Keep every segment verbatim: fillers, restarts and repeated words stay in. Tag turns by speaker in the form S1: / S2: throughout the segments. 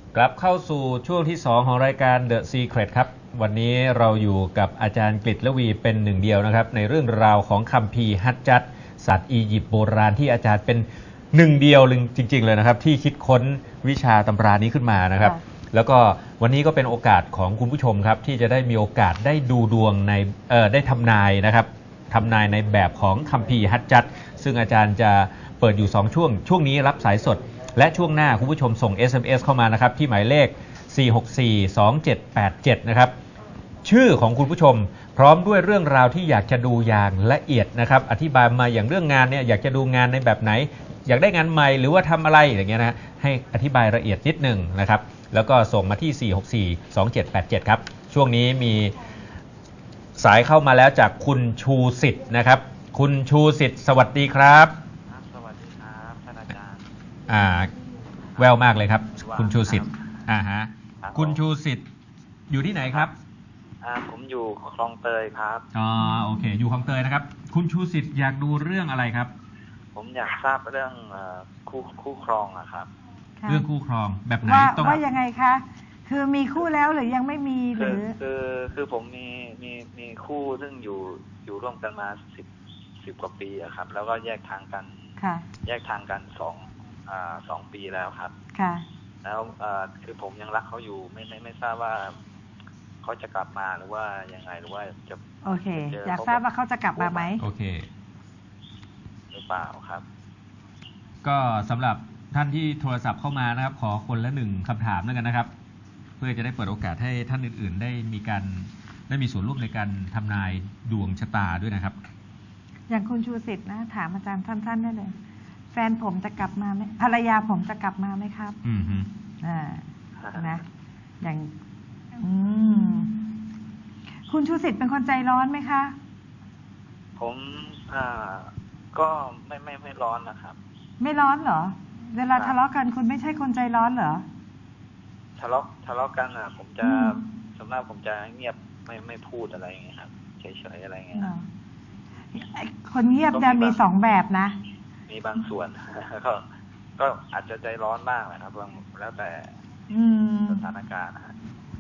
S1: กลับเข้าสู่ช่วงที่สองของรายการ The Secret ครับวันนี้เราอยู่กับอาจารย์กฤษละวีเป็นหนึ่งเดียวนะครับในเรื่องราวของคัมภีร์ฮัจญัตศาสตร์อียิปต์โบราณที่อาจารย์เป็นหนึ่งเดียวจริงๆเลยนะครับที่คิดค้นวิชาตำรานี้ขึ้นมานะครับแล้วก็วันนี้ก็เป็นโอกาสของคุณผู้ชมครับที่จะได้มีโอกาสได้ดูดวงในเอ่อได้ทำนายนะครับทำนายในแบบของคัมภีร์ฮัจญัตซึ่งอาจารย์จะเปิดอยู่สองช่วงช่วงนี้รับสายสดและช่วงหน้าคุณผู้ชมส่ง เอส เอ็ม เอส เข้ามานะครับที่หมายเลขสี่ หก สี่ สอง เจ็ด แปด เจ็ดนะครับชื่อของคุณผู้ชมพร้อมด้วยเรื่องราวที่อยากจะดูอย่างละเอียดนะครับอธิบายมาอย่างเรื่องงานเนี่ยอยากจะดูงานในแบบไหนอยากได้งานใหม่หรือว่าทำอะไรอย่างเงี้ยนะให้อธิบายละเอียดนิดหนึ่งนะครับแล้วก็ส่งมาที่สี่ หก สี่ สอง เจ็ด แปด เจ็ดครับช่วงนี้มีสายเข้ามาแล้วจากคุณชูสิทธิ์นะครับคุณชูสิทธิ์สวัสดีครับ
S2: สวัสดีครับท่านอาจารย์
S1: อ่าแววมากเลยครับคุณชูสิทธิ์อ่าฮะคุณชูสิทธิ์อยู่ที่ไหนครับ
S2: อ่าผมอยู่คลองเตยครับ
S1: อ๋อโอเคอยู่คลองเตยนะครับคุณชูสิทธิ์อยากดูเรื่องอะไรครับ
S2: ผมอยากทราบเรื่องคู่คู่ครองอะครับ
S1: เรื่องคู่ครองแบบไหน
S3: ต้องว่ายังไงคะคือมีคู่แล้วหรือยังไม่มีหรือ
S2: คือคือผมมีมีมีคู่ซึ่งอยู่อยู่ร่วมกันมาสิบสิบกว่าปีอะครับแล้วก็แยกทางกันแยกทางกันสองอ่าสองปีแล้วครับ
S3: ค่ะ
S2: แล้วอ่าคือผมยังรักเขาอยู่ไม่ไม่ไม่ทราบว่าเขาจะกลับมาหรือว่ายังไงหรือว่าจะ
S3: โอเคอยากทราบว่าเขาจะกลับมาไหม
S1: โอเค
S2: หรือเปล่าครับ
S1: ก็สำหรับท่านที่โทรศัพท์เข้ามานะครับขอคนละหนึ่งคำถามแล้วกันนะครับเพื่อจะได้เปิดโอกาสให้ท่านอื่นๆได้มีการได้มีส่วนร่วมในการทำนายดวงชะตาด้วยนะครับ
S3: อย่างคุณชูสิทธิ์นะถามอาจารย์สั้นๆได้เลยแฟนผมจะกลับมาไหมภรรยาผมจะกลับมาไหมครับ
S1: อืมฮึ
S3: อ่านะอย่างอืมคุณชูสิทธิ์เป็นคนใจร้อนไหมคะ
S2: ผมอ่าก็ไม่ไม่ไม่ร้อนนะครับ
S3: ไม่ร้อนเหรอเวลาทะเลาะกันคุณไม่ใช่คนใจร้อนเหรอ
S2: ทะเลาะทะเลาะกันอ่ะผมจะส่วนมากผมจะเงียบไม่ไม่พูดอะไรอย่างเงี้ยครับเฉยๆอะไรเงี้ย
S3: คนเงียบจะมีสองแบบนะ
S2: มีบางส่วนก็ก็อาจจะใจร้อนบ้างนะครับแล้วแต่สถานการณ์นะ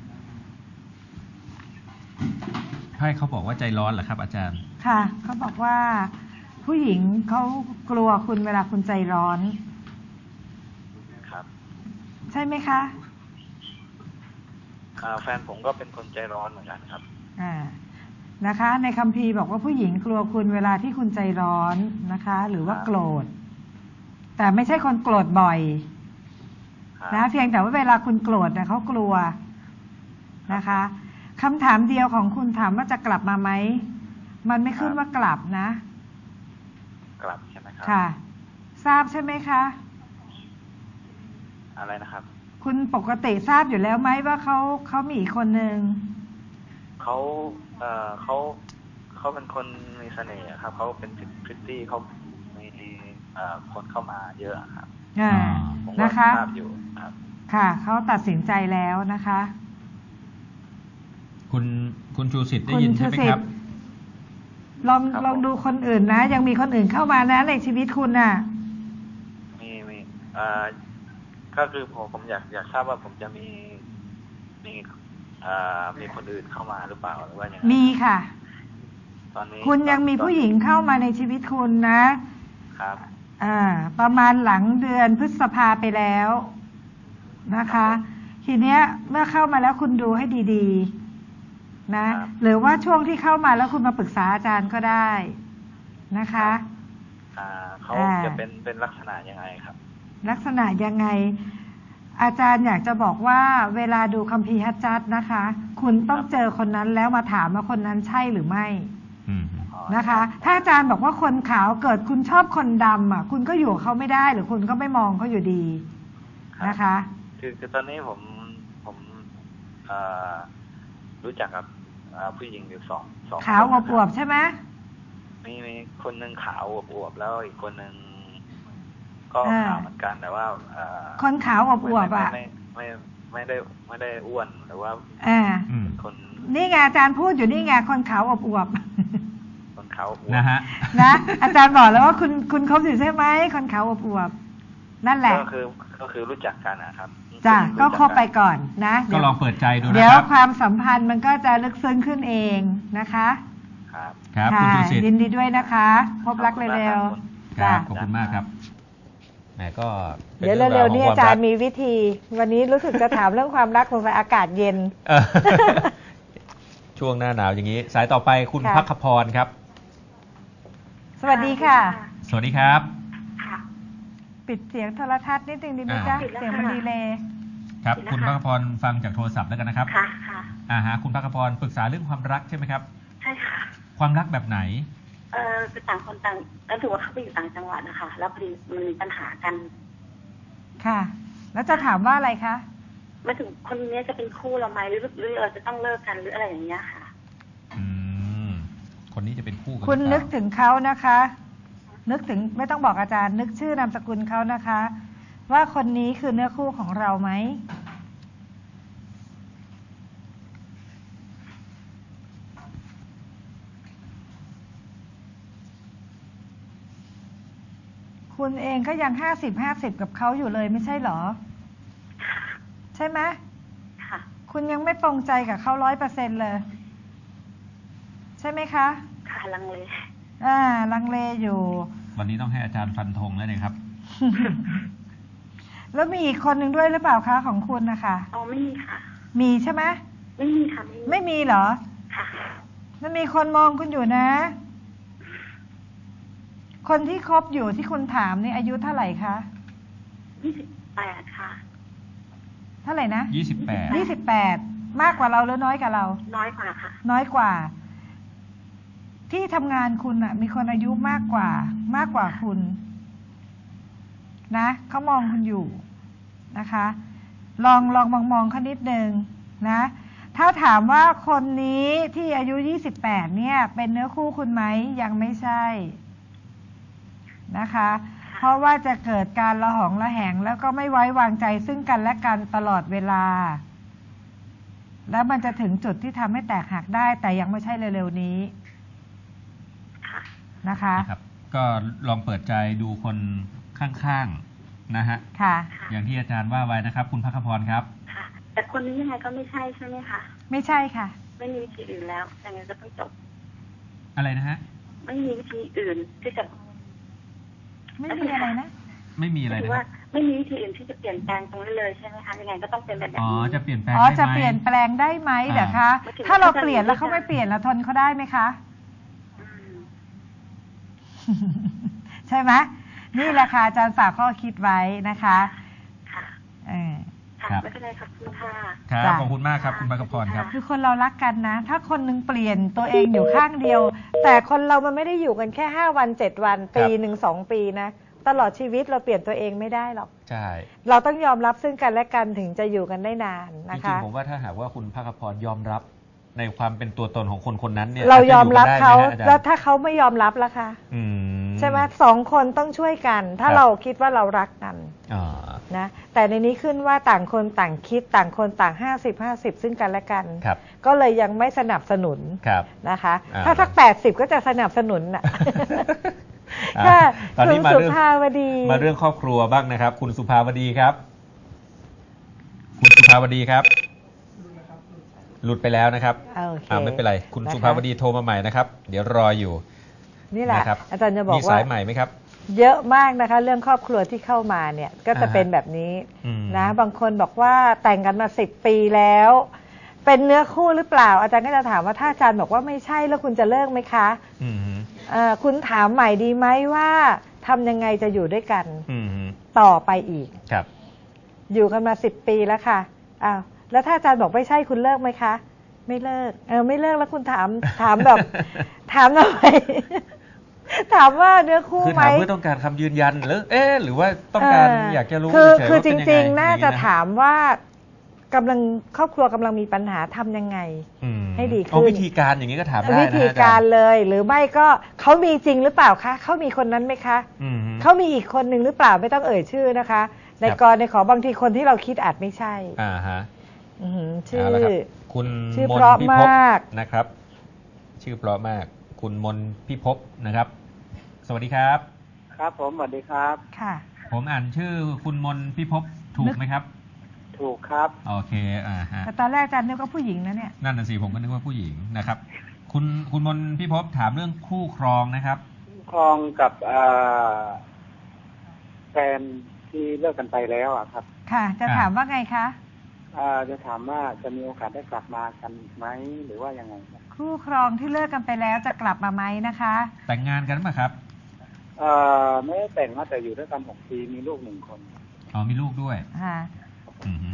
S1: ให้เขาบอกว่าใจร้อนเหรอครับอาจารย์
S3: ค่ะเขาบอกว่าผู้หญิงเขากลัวคุณเวลาคุณใจร้อน
S2: ครับ
S3: ใช่ไหมคะ
S2: แฟนผมก็เป็นคนใจร้อนเหมือนกันครับ
S3: อ่านะคะในคัมภีร์บอกว่าผู้หญิงกลัวคุณเวลาที่คุณใจร้อนนะคะหรือว่าโกรธแต่ไม่ใช่คนโกรธบ่อยนะเพียงแต่ว่าเวลาคุณโกรธเนี่ยเขากลัวนะคะคำถามเดียวของคุณถามว่าจะกลับมาไหมมันไม่ขึ้นว่ากลับนะ
S2: กลับใช่ไหมครับ
S3: ค่ะทราบใช่ไหมคะ
S2: อะไรนะครับ
S3: คุณปกติทราบอยู่แล้วไหมว่าเขาเขามีอีกคนหนึ่ง
S2: เขาเอ่อเขาเขาเป็นคนมีเสน่ห์ครับเขาเป็นพริตตี้เขามีเอ่อคนเข้ามาเยอะครับ
S3: อ่านะคะ
S2: ทราบอยู่ครับ
S3: ค่ะเขาตัดสินใจแล้วนะคะ
S1: คุณคุณชูสิทธิ์ได้ยินใช่ไหมครับ
S3: ลองลองดูคนอื่นนะยังมีคนอื่นเข้ามานะในชีวิตคุณน่ะ
S2: มีมีอ่าก็คือผมผมอยากอยากทราบว่าผมจะมีมีอ่ามีคนอื่นเข้ามาหรือเปล่าหรือว่ายังไง
S3: มีค่ะ
S2: ตอนนี้
S3: คุณยังมีผู้หญิงเข้ามาในชีวิตคุณนะครับอ่าประมาณหลังเดือนพฤษภาไปแล้วนะคะทีเนี้ยเมื่อเข้ามาแล้วคุณดูให้ดีๆนะหรือว่าช่วงที่เข้ามาแล้วคุณมาปรึกษาอาจารย์ก็ได้นะคะ
S2: อ่าเขาจะเป็นเป็นลักษณะยังไงครับ
S3: ลักษณะยังไงอาจารย์อยากจะบอกว่าเวลาดูคัมภีร์ฮัจญัตนะคะคุณต้องเจอคนนั้นแล้วมาถามว่าคนนั้นใช่หรือไม่นะคะถ้าอาจารย์บอกว่าคนขาวเกิดคุณชอบคนดำอ่ะคุณก็อยู่เขาไม่ได้หรือคุณก็ไม่มองเขาอยู่ดีนะคะ
S2: คือคือตอนนี้ผมผมรู้จักกับผู้หญิงอยู่สองสอง
S3: ขาวอวบใช่ไหม
S2: มีมีคนหนึ่งขาวอวบแล้วอีกคนหนึ่งก็ขาวเหมือนกันแต่ว่า
S3: คนขาวอวบอ่ะ
S2: ไม่ไม่ไม่ได้ไม่ได้อ้วนหรือว่าคน
S3: นี่ไงอาจารย์พูดอยู่นี่ไงคนขาวอวบ
S2: คนขาวอวบ
S1: นะฮะ
S3: นะอาจารย์บอกแล้วว่าคุณคุณคบอยู่ใช่ไหมคนขาวอวบนั่นแหละ
S2: ก็คือคก็คือรู้จักกันนะครับ
S3: จ้ะก็คบไปก่อนนะ
S1: ก็ลองเปิดใจดูนะครับ
S3: เดี๋ยวความสัมพันธ์มันก็จะลึกซึ้งขึ้นเองนะคะ
S2: ครับ
S1: ครับคุณชูศิษฐ์
S3: ยินดีด้วยนะคะพบรักเร็ว
S1: ๆครับขอบคุณมากครับแหมก็
S3: เดี๋ยวเร็วๆนี่อาจารย์มีวิธีวันนี้รู้สึกจะถามเรื่องความรักสงสัยอากาศเย็น
S1: ช่วงหน้าหนาวอย่างนี้สายต่อไปคุณภัคพรครับ
S3: สวัสดีค่ะ
S1: สวัสดีครับ
S3: ปิดเสียงโทรทัศน์นิดนึงดีไหมจ๊ะเสียงมันดีเลย
S1: ครับคุณภัคพรฟังจากโทรศัพท์แล้วกันนะครับ
S4: ค่ะค่ะ
S1: อ่าฮะคุณภัคพรปรึกษาเรื่องความรักใช่ไหมครับ
S4: ใช่ค่ะ
S1: ความรักแบบไหน
S4: เออคือต่างคนต่างแล้วถือว่าเขาไปอยู่ต่างจังหวัดนะคะแล้วพอดีมันมีปัญหากัน
S3: ค่ะแล้วจะถามว่าอะไรคะ
S4: มาถึงคนนี้จะเป็นคู่เราไหมหรือหรือเราจะต้องเลิกกันหรืออะไรอย่างเงี้ยค่ะ
S1: อืมคนนี้จะเป็นคู่กัน
S3: คุณนึกถึงเขานะคะนึกถึงไม่ต้องบอกอาจารย์นึกชื่อนามสกุลเขานะคะว่าคนนี้คือเนื้อคู่ของเราไหมคุณเองก็ยังห้าสิบห้าสิบกับเขาอยู่เลยไม่ใช่เหรอใช่ไหม
S4: ค่ะ
S3: คุณยังไม่ตรงใจกับเขาร้อยเปอร์เซ็นต์เลยใช่ไหมคะ
S4: ค่ะลังเล
S3: อ่าลังเลอยู่
S1: วันนี้ต้องให้อาจารย์ฟันธงแล้วเนี่ยครับ
S3: แล้วมีอีกคนหนึ่งด้วยหรือเปล่าคะของคุณนะคะ
S4: อ๋อไม่มีค่ะ
S3: มีใช่ไหม
S4: ไม่มีค่ะ
S3: ไม่มีเหรอ
S4: ค่ะ
S3: มันมีคนมองคุณอยู่นะคนที่คบอยู่ที่คุณถามนี่อายุเท่าไหร่คะ
S4: ยี่สิบแปดค่ะ
S3: เท่าไหร่นะ
S1: ยี่สิบแปด
S3: ยี่สิบแปดมากกว่าเราหรือน้อยกว่าเรา
S4: น้อยกว่าค่ะ
S3: น้อยกว่าที่ทำงานคุณอ่ะมีคนอายุมากกว่ามากกว่าคุณนะเขามองคุณอยู่นะคะลองลองมองมองเขานิดนึงนะถ้าถามว่าคนนี้ที่อายุยี่สิบแปดเนี่ยเป็นเนื้อคู่คุณไหมยังไม่ใช่นะคะเพราะว่าจะเกิดการระหองระแหงแล้วก็ไม่ไว้วางใจซึ่งกันและกันตลอดเวลาแล้วมันจะถึงจุดที่ทำให้แตกหักได้แต่ยังไม่ใช่เร็วๆนี้นะคะ
S1: ครับก็ลองเปิดใจดูคนข้างๆนะฮะ
S3: ค่ะ
S1: อย่างที่อาจารย์ว่าไว้นะครับคุณภัคพรครับ
S4: ค่ะแต่คนนี้ยังไงก็ไม่ใช่ใช่ไหมคะ
S3: ไม่ใช่ค่ะ
S4: ไม่มีวิธีอื่นแล้วยังไงก็ต้องจบ
S1: อะไรนะฮะ
S4: ไม่มีวิธีอื่นที่จะ
S3: ไม่มีอะไรนะ
S1: ไม่มีอะไรนะ
S4: ว่าไม่มีวิธีอื่นที่จะเปลี่ยนแปลงตรงนี้เลยใช่ไหมคะยังไงก็ต้องเป็นแบบนี้
S1: อ๋อจะเปลี่ยนแปลง
S3: อ๋อจะเปลี่ยนแปลงได้ไหมเหรอคะถ้าเราเปลี่ยนแล้วเขาไม่เปลี่ยนเราทนเขาได้ไหมคะใช่ไหมนี่แหละค่ะอาจารย์ฝากข้อคิดไว้นะคะ
S4: ค่ะ
S3: เออ
S4: ค่ะไม่เป็นไรครับคุณค่ะ
S1: ครับขอบคุณมากครับคุณภัคพรครับ
S3: คือคนเรารักกันนะถ้าคนนึงเปลี่ยนตัวเองอยู่ข้างเดียวแต่คนเรามันไม่ได้อยู่กันแค่ห้าวันเจ็ดวันปีหนึ่งสองปีนะตลอดชีวิตเราเปลี่ยนตัวเองไม่ได้หรอก
S1: ใช่
S3: เราต้องยอมรับซึ่งกันและกันถึงจะอยู่กันได้นานนะคะ
S1: จริงๆผมว่าถ้าหากว่าคุณภัคพรยอมรับในความเป็นตัวตนของคนคนนั้นเนี่ย
S3: เรายอมรับเขาแล้วถ้าเขาไม่ยอมรับล่ะคะใช่ไหมสองคนต้องช่วยกันถ้าเราคิดว่าเรารักกันนะแต่ในนี้ขึ้นว่าต่างคนต่างคิดต่างคนต่างห้าสิบห้าสิบซึ่งกันและกันก็เลยยังไม่สนับสนุนนะคะถ้าสักแปดสิบก็จะสนับสนุนน่ะ
S1: ตอนนี้มาเรื่องมาเรื่องครอบครัวบ้างนะครับคุณสุภาวดีครับคุณสุภาวดีครับหลุดไปแล้วนะครับอ่าไม่เป็นไรคุณสุภาวดีโทรมาใหม่นะครับเดี๋ยวรออยู่
S3: นี่แหละอาจารย์จะบอกว่า
S1: มีสายใหม่ไหมครับ
S3: เยอะมากนะคะเรื่องครอบครัวที่เข้ามาเนี่ยก็จะเป็นแบบนี้นะบางคนบอกว่าแต่งกันมาสิบปีแล้วเป็นเนื้อคู่หรือเปล่าอาจารย์ก็จะถามว่าถ้าอาจารย์บอกว่าไม่ใช่แล้วคุณจะเลิกไหมคะคุณถามใหม่ดีไหมว่าทำยังไงจะอยู่ด้วยกันต่อไปอีก
S1: ครับ
S3: อยู่กันมาสิบปีแล้วค่ะอ้าวแล้วถ้าอาจารย์บอกไม่ใช่คุณเลิกไหมคะไม่เลิกเออไม่เลิกแล้วคุณถามถามแบบถามทำไมถามว่าเนื้อคู่ไหมคือถาม
S1: เพื่อต้องการคำยืนยันหรือเอ๊ะหรือว่าต้องการอยากจะรู้
S3: คือคือจริงๆน่าจะถามว่ากำลังครอบครัวกำลังมีปัญหาทำยังไงให้ดีขึ้น
S1: วิธีการอย่างนี้ก็ถามได้นะ
S3: วิธีการเลยหรือไม่ก็เขามีจริงหรือเปล่าคะเขามีคนนั้นไหมคะเขามีอีกคนหนึ่งหรือเปล่าไม่ต้องเอ่ยชื่อนะคะในกรณีขอบางทีคนที่เราคิดอาจไม่ใช่
S1: อ่าฮะ
S3: ชื่อ
S1: คุณ
S3: ชื่อเพราะมาก
S1: นะครับชื่อเพราะมากคุณมนพิภพนะครับสวัสดีครับ
S5: ครับผมสวัสดีครับ
S3: ค่ะ
S1: ผมอ่านชื่อคุณมนพิภพถูกไหมครับ
S5: ถูกครับ
S1: โอเคอ่าฮะ
S3: แต่ตอนแรกอาจารย์นึกว่าผู้หญิงนะเนี่ย
S1: นั่นน่ะสิผมก็นึกว่าผู้หญิงนะครับคุณคุณมนพิภพถามเรื่องคู่ครองนะครับ
S5: คู่ครองกับแฟนที่เลิกกันไปแล้วอ่ะครับ
S3: ค่ะจะถามว่าไงคะ
S5: จะถามว่าจะมีโอกาสได้กลับมากันไหมหรือว่ายังไง
S3: คู่ครองที่เลิกกันไปแล้วจะกลับมาไหมนะคะ
S1: แต่งงานกันไหมครับ
S5: เอ่อไม่ได้แต่งนะแต่อยู่ด้วยกันหกปีมีลูกหนึ่งคน
S1: อ๋อมีลูกด้วย
S3: ค่ะ
S1: อือฮึ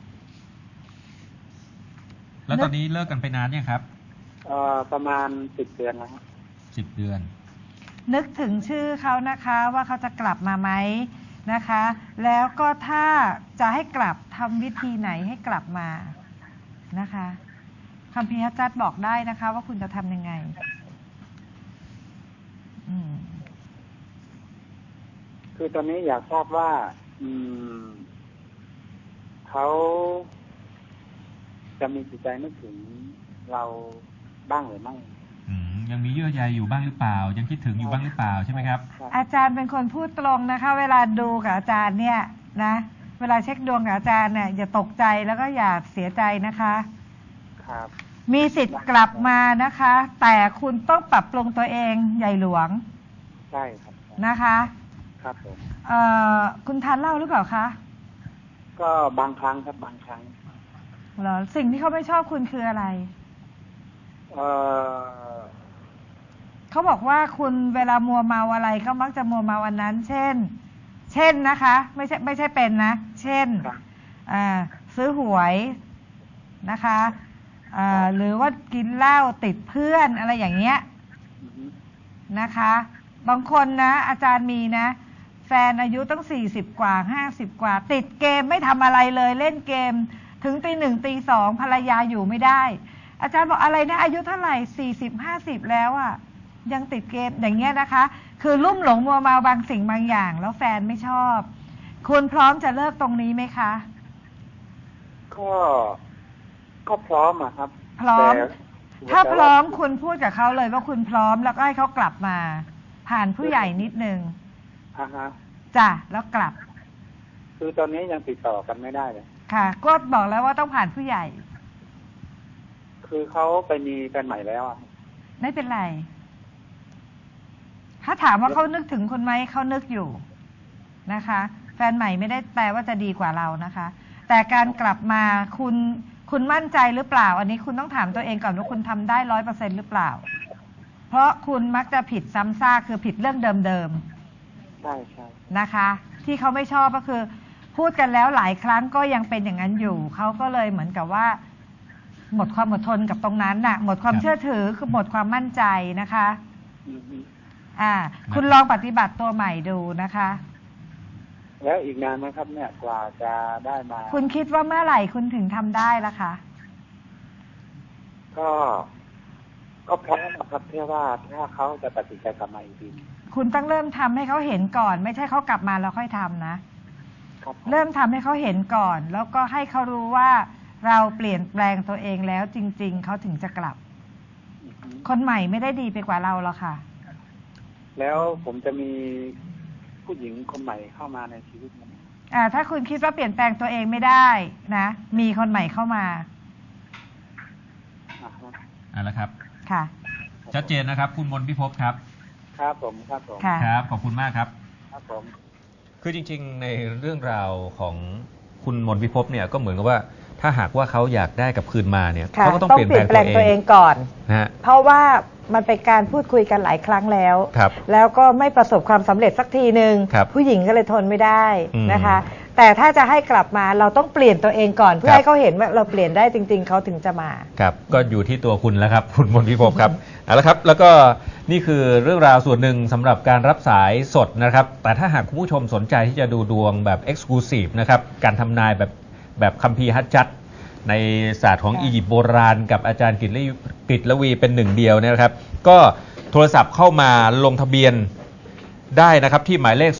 S1: แล้วตอนนี้เลิกกันไปนานยังครับ
S5: เอ่อประมาณสิบเดือนแล้ว
S1: สิบเดือน
S3: นึกถึงชื่อเขานะคะว่าเขาจะกลับมาไหมนะคะแล้วก็ถ้าจะให้กลับทำวิธีไหนให้กลับมานะคะคัมภีร์ฮัจญัตบอกได้นะคะว่าคุณจะทำยังไงอืม
S5: คือตอนนี้อยากทราบว่าอืมเขาจะมีจิตใจนึกถึงเราบ้างหรือไม่
S1: ยังมีเยื่อใยอยู่บ้างหรือเปล่ายังคิดถึงอยู่บ้างหรือเปล่าใช่ไหมครับ
S3: อาจารย์เป็นคนพูดตรงนะคะเวลาดูกับอาจารย์เนี่ยนะเวลาเช็คดวงกับอาจารย์เนี่ยอย่าตกใจแล้วก็อย่าเสียใจนะคะ
S5: ครับ
S3: มีสิทธิ์กลับมานะคะแต่คุณต้องปรับปรุงตัวเองใหญ่หลวง
S5: ใช่ครับ
S3: นะคะ
S5: ครับผม
S3: เอ่อคุณทานเหล้าหรือเปล่าคะ
S5: ก็บางครั้งครับบางครั้ง
S3: เหรอสิ่งที่เขาไม่ชอบคุณคืออะไร
S5: เอ่อ
S3: เขาบอกว่าคุณเวลามัวเมาอะไรก็มักจะมัวเมาอันนั้นเช่นเช่นนะคะไม่ใช่ไม่ใช่เป็นนะเช่นซื้อหวยนะคะหรือว่ากินเหล้าติดเพื่อนอะไรอย่างเงี้ยนะคะบางคนนะอาจารย์มีนะแฟนอายุตั้งสี่สิบกว่าห้าสิบกว่าติดเกมไม่ทำอะไรเลยเล่นเกมถึงตีหนึ่งตีสองภรรยาอยู่ไม่ได้อาจารย์บอกอะไรนะอายุเท่าไหร่สี่สิบห้าสิบแล้วอ่ะยังติดเกมอย่างเงี้ยนะคะคือลุ่มหลงมัวเมาบางสิ่งบางอย่างแล้วแฟนไม่ชอบคุณพร้อมจะเลิกตรงนี้ไหมคะ
S5: ก็ก็พร้อมอะครับ
S3: พร้อมถ้าพร้อมคุณพูดกับเขาเลยว่าคุณพร้อมแล้วก็ให้เขากลับมาผ่านผู้ใหญ่นิดนึง
S5: อ่าฮะ
S3: จ้ะแล้วกลับ
S5: คือตอนนี้ยังติดต่อกันไม่ได้เลย
S3: ค่ะก็บอกแล้วว่าต้องผ่านผู้ใหญ่
S5: คือเขาไปมีแฟนใหม่แล้วอ่ะ
S3: ไม่เป็นไรถ้าถามว่าเขานึกถึงคุณไหมเขานึกอยู่นะคะแฟนใหม่ไม่ได้แปลว่าจะดีกว่าเรานะคะแต่การกลับมาคุณคุณมั่นใจหรือเปล่าอันนี้คุณต้องถามตัวเองก่อนว่าคุณทำได้ร้อยเปอร์เซ็นต์หรือเปล่าเพราะคุณมักจะผิดซ้ำซากคือผิดเรื่องเดิม
S5: ๆใช่ใช่
S3: นะคะที่เขาไม่ชอบก็คือพูดกันแล้วหลายครั้งก็ยังเป็นอย่างนั้นอยู่เขาก็เลยเหมือนกับว่าหมดความอดทนกับตรงนั้นน่ะหมดความเชื่อถือคือหมดความมั่นใจนะคะอ่าคุณลองปฏิบัติตัวใหม่ดูนะคะ
S5: แล้วอีกนานไหมครับเนี่ยกว่าจะได้มา
S3: คุณคิดว่าเมื่อไหร่คุณถึงทำได้ล่ะคะ
S5: ก็ก็พร้อมครับเพื่อว่าถ้าเขาจะตัดสินใจกลับมาอีกที
S3: คุณต้องเริ่มทำให้เขาเห็นก่อนไม่ใช่เขากลับมาแล้วค่อยทำนะเริ่มทำให้เขาเห็นก่อนแล้วก็ให้เขารู้ว่าเราเปลี่ยนแปลงตัวเองแล้วจริงๆเขาถึงจะกลับคนใหม่ไม่ได้ดีไปกว่าเราหรอกค่ะ
S5: แล้วผมจะมีผู้หญิงคนใหม่เข้ามาในชีวิตมั้ย
S3: อ่าถ้าคุณคิดว่าเปลี่ยนแปลงตัวเองไม่ได้นะมีคนใหม่เข้ามา
S1: อ่าแล้วครับ
S3: ค่ะ
S1: ชัดเจนนะครับคุณมนพิภพครับ
S5: ครับผมครับผม
S1: ครับขอบคุณมากครับ
S5: ครับผม
S1: คือจริงๆในเรื่องราวของคุณมนพิภพเนี่ยก็เหมือนกับว่าถ้าหากว่าเขาอยากได้กับคืนมาเนี่ยเขาก็ต้องเปลี่ยนแปลง
S3: ตัวเองก่อน
S1: นะ
S3: เพราะว่ามันเป็นการพูดคุยกันหลายครั้งแล้วแล้วก็ไม่ประสบความสำเร็จสักทีนึงผู้หญิงก็เลยทนไม่ได้นะคะแต่ถ้าจะให้กลับมาเราต้องเปลี่ยนตัวเองก่อนเพื่อให้เขาเห็นว่าเราเปลี่ยนได้จริงๆเขาถึงจะมา
S1: ครับก็อยู่ที่ตัวคุณแล้วครับคุณมนพิภพครับเอาละครับแล้วก็นี่คือเรื่องราวส่วนหนึ่งสำหรับการรับสายสดนะครับแต่ถ้าหากคุณผู้ชมสนใจที่จะดูดวงแบบ Exclusive นะครับการทำนายแบบแบบคัมภีร์ฮัจญัตในศาสตร์ของอียิปต์โบราณกับอาจารย์กฤษละวีเป็นหนึ่งเดียวนะครับก็โทรศัพท์เข้ามาลงทะเบียนได้นะครับที่หมายเลข